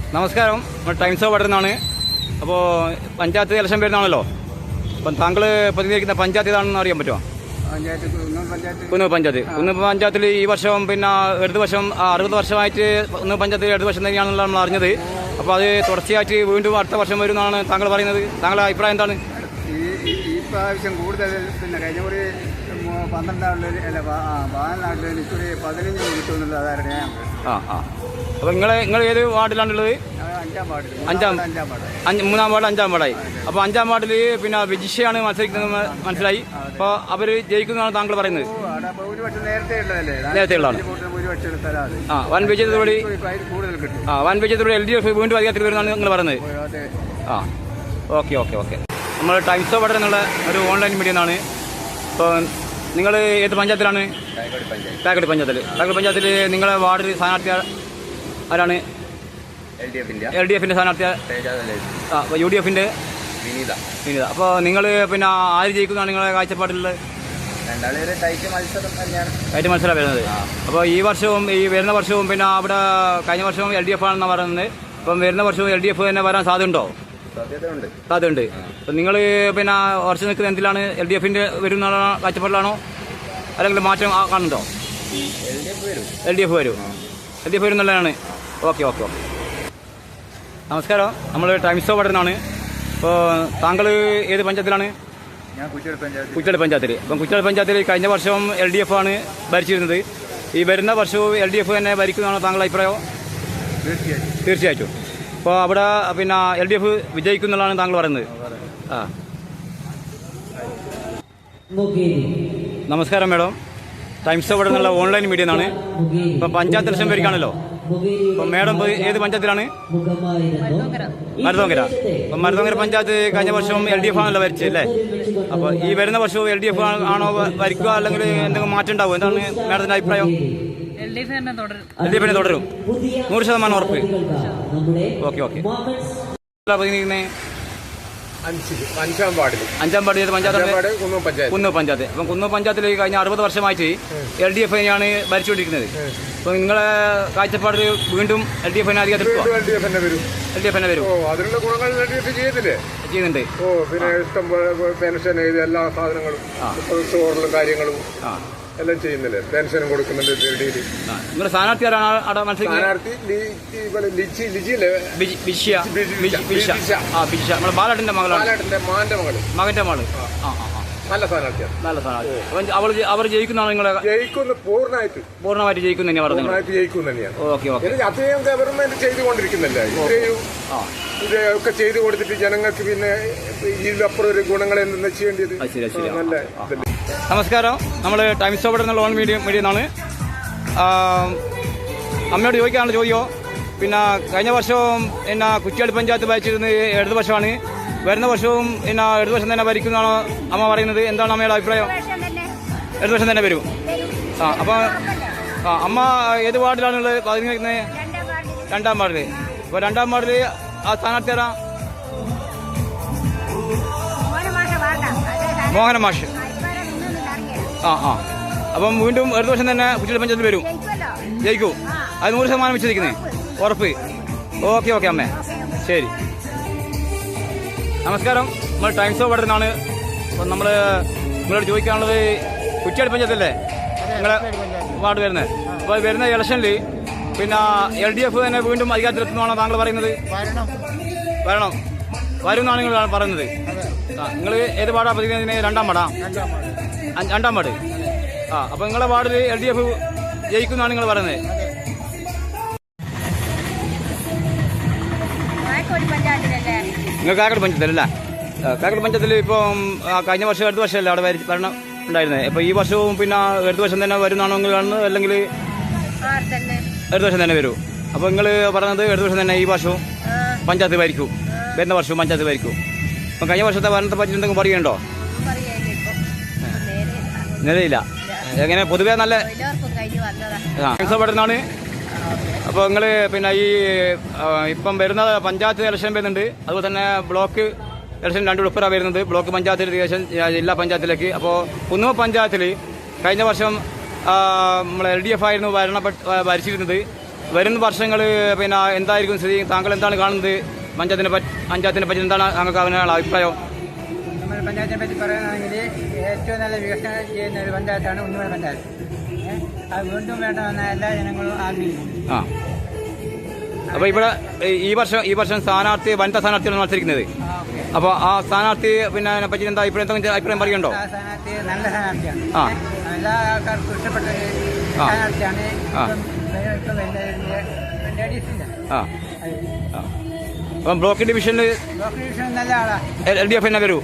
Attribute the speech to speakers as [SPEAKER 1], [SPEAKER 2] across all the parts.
[SPEAKER 1] നമസ്കാരം, times of വടരുന്നാണ്. അപ്പോൾ panchayat election വരുന്നതാണല്ലോ. അപ്പം താങ്കൾ പ്രതിനിധീകരിക്കുന്ന പഞ്ചായത്ത് ഏതാണെന്ന് അറിയാൻ പറ്റുമോ? കുന്നൂർ പഞ്ചായത്ത്. കുന്നൂർ പഞ്ചായത്തിൽ ഈ വർഷം പിന്നെ ഇടത് വർഷം 60 വർഷമായിട്ട് കുന്നൂർ പഞ്ചായത്തിൽ ഇടത് വർഷം തന്നെയാണെന്നുള്ള നമ്മൾ അറിഞ്ഞത്. അപ്പോൾ അത് തുടർച്ചയായിട്ട് വീണ്ടും അടുത്ത വർഷം വരുമെന്നാണ് താങ്കൾ പറയുന്നത്. താങ്കളുടെ അഭിപ്രായം എന്താണ്?
[SPEAKER 2] ഈ പ്രാവശ്യം കൂടുതൽ പിന്നെ കഴിഞ്ഞ ഒരു 12 നാട്ടിൽ അല്ല 14 നാട്ടിൽ എനിക്കൊരു 15 കിട്ടുമെന്നുള്ള അതായിരുന്നു ഞാൻ.
[SPEAKER 1] അപ്പോൾ നിങ്ങൾ ഏത് വാർഡിലാണുള്ളത്? മൂന്നാം വാർഡ് 5-ാം വാർഡായി. അപ്പോൾ 5-ാം വാർഡിൽ പിന്നെ വിജിഷയാണ് മത്സരിക്കുന്നത് മനസ്സിലായി. അപ്പോൾ അവർ ജയിക്കുന്നതാണ് താങ്കൾ പറയുന്നത്? നേരത്തെ ഉള്ളതാണ്. വൻ വിജയത്തോടുകൂടി LDF വീണ്ടും അധികാരത്തിൽ വരുന്നതാണ് നിങ്ങൾ പറയുന്നത്. ഓക്കെ. നമ്മൾ ടൈംസ് ഓഫ് വടർ എന്നുള്ള ഒരു ഓൺലൈൻ മീഡിയ എന്നാണ്. ഇപ്പോൾ നിങ്ങൾ ഏത് പഞ്ചായത്തിലാണ്? കാക്കടി പഞ്ചായത്തിൽ നിങ്ങളെ വാർഡിൽ സ്ഥാനാർത്ഥി ആരാണ്? LDFന്റെ സ്ഥാനാർത്ഥി UDFന്റെ വിനീത. അപ്പോൾ നിങ്ങൾ പിന്നെ ആര് ജയിക്കുന്നതാണ് നിങ്ങളെ കാഴ്ചപ്പാടിലുള്ളത്? ടൈറ്റ് മത്സരം വരുന്നത്. അപ്പോൾ ഈ വർഷവും ഈ വരുന്ന വർഷവും പിന്നെ അവിടെ കഴിഞ്ഞ വർഷവും LDF ആണെന്നാണ് പറയുന്നത്. അപ്പം വരുന്ന വർഷവും LDF തന്നെ വരാൻ സാധ്യതയുണ്ടോ? സാധ്യതയുണ്ട്. അപ്പം നിങ്ങൾ പിന്നെ ഉറച്ചു നിൽക്കുന്നത് എന്തിലാണ്? LDFന്റെ വരുന്ന കാഴ്ചപ്പാടിലാണോ അല്ലെങ്കിൽ മാറ്റം കാണുന്നുണ്ടോ? LDF വരും എന്നുള്ളതാണ്. ഓക്കെ. നമസ്കാരം, നമ്മൾ ടൈംസ് ഓഫ് വടരുന്നാണ്. അപ്പോൾ താങ്കൾ ഏത് പഞ്ചായത്തിലാണ്? കുറ്റിയാടി പഞ്ചായത്തിൽ. അപ്പം കുറ്റിയാടി പഞ്ചായത്തിൽ കഴിഞ്ഞ വർഷവും LDF ആണ് ഭരിച്ചിരുന്നത്. ഈ വരുന്ന വർഷവും LDF തന്നെ ഭരിക്കുന്നതാണോ താങ്കളുടെ അഭിപ്രായം? തീർച്ചയായിട്ടും. അപ്പോൾ അവിടെ പിന്നെ LDF വിജയിക്കുന്നുള്ളതാണ് താങ്കൾ പറയുന്നത്. നമസ്കാരം മാഡം, ടൈംസ് ഓഫ് വടരുന്നുള്ള ഓൺലൈൻ മീഡിയ എന്നാണ്. ഇപ്പം പഞ്ചായത്ത് ഇലക്ഷൻ വരികയാണല്ലോ. അപ്പം മാഡം ഏത് പഞ്ചായത്തിലാണ്? മരുതോങ്കര. അപ്പം മരുതോങ്കര പഞ്ചായത്ത് കഴിഞ്ഞ വർഷവും LDF ആണല്ലോ ഭരിച്ചല്ലേ. അപ്പോൾ ഈ വരുന്ന വർഷവും LDF ആണോ ഭരിക്കുക അല്ലെങ്കിൽ എന്തെങ്കിലും മാറ്റം ഉണ്ടാവും? എന്താണ് മാഡത്തിന്റെ അഭിപ്രായം? LDF തന്നെ തുടരും. 100% ഉറപ്പ്. ഓക്കെ.
[SPEAKER 3] അഞ്ചാം വാർഡ്
[SPEAKER 1] ഏത് പഞ്ചായത്ത്? കുന്നൂർ പഞ്ചായത്ത്. അപ്പം കുന്നൂർ പഞ്ചായത്തിൽ കഴിഞ്ഞ 60 വർഷമായിട്ട് LDF തന്നെയാണ് ഭരിച്ചുകൊണ്ടിരിക്കുന്നത്. അപ്പോൾ നിങ്ങളെ കാഴ്ചപ്പാടിൽ വീണ്ടും LDF തന്നെ അധികാരത്തിൽ LDF തന്നെ വരും.
[SPEAKER 3] അതിനുള്ള ഗുണങ്ങൾ
[SPEAKER 1] ചെയ്യുന്നുണ്ട്.
[SPEAKER 3] പിന്നെ ഇഷ്ടം പെൻഷൻ എല്ലാ സാധനങ്ങളും സ്റ്റോറിലും കാര്യങ്ങളും എല്ലാം ചെയ്യുന്നില്ലേ. പെൻഷനും കൊടുക്കുന്നുണ്ട്.
[SPEAKER 1] നിങ്ങളുടെ സ്ഥാനാർത്ഥി ആരാണ് അവിടെ മത്സരിക്കുന്നത്? നമ്മുടെ ബാലാട്ടിന്റെ മകന്റെ മകള്.
[SPEAKER 3] നല്ല സ്ഥാനാർത്ഥിയാണ്.
[SPEAKER 1] അവർ ജയിക്കുന്നതാണ് നിങ്ങളെ? പൂർണ്ണമായിട്ട് ജയിക്കും തന്നെയാണ്
[SPEAKER 3] പറഞ്ഞത്. ഓക്കെ. അത്രയും ഗവൺമെന്റ് ചെയ്തുകൊണ്ടിരിക്കുന്നില്ല. ഇതൊക്കെ ചെയ്തു കൊടുത്തിട്ട് ജനങ്ങൾക്ക് പിന്നെ ഇതിലപ്പുറം ഒരു ഗുണങ്ങൾ എന്തെന്ന് ചെയ്യേണ്ടത്. നല്ല.
[SPEAKER 1] നമസ്കാരം, നമ്മൾ ടൈംസ് ഓഫ് വടർ എന്നുള്ള ഓൺ മീഡിയ എന്നാണ്. അമ്മയോട് ചോദിക്കാനുള്ള ചോദ്യമോ? പിന്നെ കഴിഞ്ഞ വർഷവും പിന്നെ കുറ്റിയാടി പഞ്ചായത്ത് ഭരിച്ചിരുന്നത് ഇടത് വർഷമാണ്. വരുന്ന വർഷവും പിന്നെ ഇടത് വർഷം തന്നെ ഭരിക്കുന്നതാണോ അമ്മ പറയുന്നത്? എന്താണ് അമ്മയുടെ അഭിപ്രായം? ഇടത് വർഷം തന്നെ വരും. അപ്പം അമ്മ ഏത് വാർഡിലാണുള്ളത്? പ്രതിനിധിക്കുന്നത് 2-ാം വാർഡിൽ. അപ്പോൾ 2-ാം വാർഡിൽ ആ സ്ഥാനാർത്ഥി ആരാ? മോഹന മാഷ്. അപ്പം വീണ്ടും ഇടത് വർഷം തന്നെ കുറ്റിയാടി പഞ്ചായത്തിൽ വരും. ജയിക്കൂ. അത് 100% വിശ്വസിക്കുന്നത് ഉറപ്പ്. ഓക്കെ അമ്മേ, ശരി. നമസ്കാരം, നമ്മൾ ടൈംസ് ഓഫ് വടരുന്നാണ്. അപ്പം നിങ്ങളോട് ചോദിക്കാനുള്ളത്, കുറ്റിയാടി പഞ്ചായത്തല്ലേ നിങ്ങളെ വാർഡ് വരുന്നത്? അപ്പോൾ വരുന്ന ഇലക്ഷനിൽ പിന്നെ LDF തന്നെ വീണ്ടും അധികാരത്തിലെത്തുന്നതാണോ താങ്കൾ പറയുന്നത്? വരും എന്നാണ് നിങ്ങൾ പറയുന്നത്. നിങ്ങൾ ഏത് വാർഡാണ് പ്രതിനിധി? 2-ാം വാർഡാ? 2-ാം വാർഡ്. അപ്പോൾ നിങ്ങളുടെ വാർഡിൽ LDF ജയിക്കുന്നതാണ് നിങ്ങൾ പറയുന്നത്? നിങ്ങൾ കാക്കടി പഞ്ചായത്തിലല്ലേ? കാക്കടി പഞ്ചായത്തിൽ ഇപ്പം കഴിഞ്ഞ വർഷം ഇടത് വർഷമല്ലേ അവിടെ ഭരണം ഉണ്ടായിരുന്നത്. ഇപ്പോൾ ഈ വർഷവും പിന്നെ ഇടത് വർഷം തന്നെ വരുന്നതാണോ നിങ്ങൾ കാണുന്നത്, അല്ലെങ്കിൽ ഇടത് വർഷം തന്നെ വരും? അപ്പോൾ നിങ്ങൾ പറയുന്നത് ഇടത് വർഷം തന്നെ ഈ വർഷവും പഞ്ചായത്ത് ഭരിക്കും, വരുന്ന വർഷവും പഞ്ചായത്ത് ഭരിക്കും. അപ്പം കഴിഞ്ഞ വർഷത്തെ ഭരണത്തെ പറ്റി എന്തെങ്കിലും പറയുന്നുണ്ടോ? നിലയില്ല. എങ്ങനെ പൊതുവേ നല്ല പെടുന്നതാണ്. അപ്പോൾ നിങ്ങൾ പിന്നെ ഈ ഇപ്പം വരുന്ന പഞ്ചായത്ത് ഇലക്ഷൻ വരുന്നുണ്ട്, അതുപോലെ തന്നെ ബ്ലോക്ക് ഇലക്ഷൻ 2 ഉൾപ്പെടെ വരുന്നത്. ബ്ലോക്ക് പഞ്ചായത്തിൽ ഇലക്ഷൻ ജില്ലാ പഞ്ചായത്തിലേക്ക്. അപ്പോൾ കുന്നൂർ പഞ്ചായത്തിൽ കഴിഞ്ഞ വർഷം നമ്മൾ LDF ആയിരുന്നു ഭരിച്ചിരുന്നത്. വരുന്ന വർഷങ്ങൾ പിന്നെ എന്തായിരിക്കും സ്ഥിതി? താങ്കൾ എന്താണ് കാണുന്നത്? പഞ്ചായത്തിനെ പറ്റി എന്താണ് താങ്കൾക്ക് അതിനുള്ള അഭിപ്രായം?
[SPEAKER 2] നമ്മുടെ പഞ്ചായത്തിനെ പറ്റി പറയുകയാണെങ്കിൽ ഏറ്റവും നല്ല വികസനം ചെയ്യുന്ന ഒരു പഞ്ചായത്താണ് ഉണ്ണിമല പഞ്ചായത്ത്. അത് വീണ്ടും വേണമെന്ന എല്ലാ ജനങ്ങളും ആഗ്രഹിക്കുന്നു.
[SPEAKER 1] ആ, അപ്പോൾ ഇവിടെ ഈ വർഷം സ്ഥാനാർത്ഥി വനിതാ സ്ഥാനാർത്ഥിയാണ് മത്സരിക്കുന്നത്. അപ്പോൾ ആ സ്ഥാനാർത്ഥി പിന്നെ അതിനെ പറ്റി എന്താ അഭിപ്രായം പറയുന്നുണ്ടോ?
[SPEAKER 2] ആ സ്ഥാനാർത്ഥി നല്ല സ്ഥാനാർത്ഥിയാണ്. എല്ലാ ആൾക്കാർക്കും ഇഷ്ടപ്പെട്ട ഒരു സ്ഥാനാർത്ഥിയാണ്.
[SPEAKER 1] അപ്പം ബ്ലോക്ക് ഡിവിഷനിൽ
[SPEAKER 2] നല്ല ആളാണ്.
[SPEAKER 1] LDF തന്നെ വരൂ.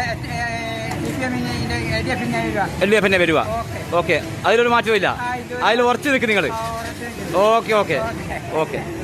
[SPEAKER 1] LDF തന്നെ വരുക. ഓക്കെ, അതിലൊരു മാറ്റമില്ല. അതിൽ ഉറച്ചു നിൽക്കും നിങ്ങൾ. ഓക്കെ.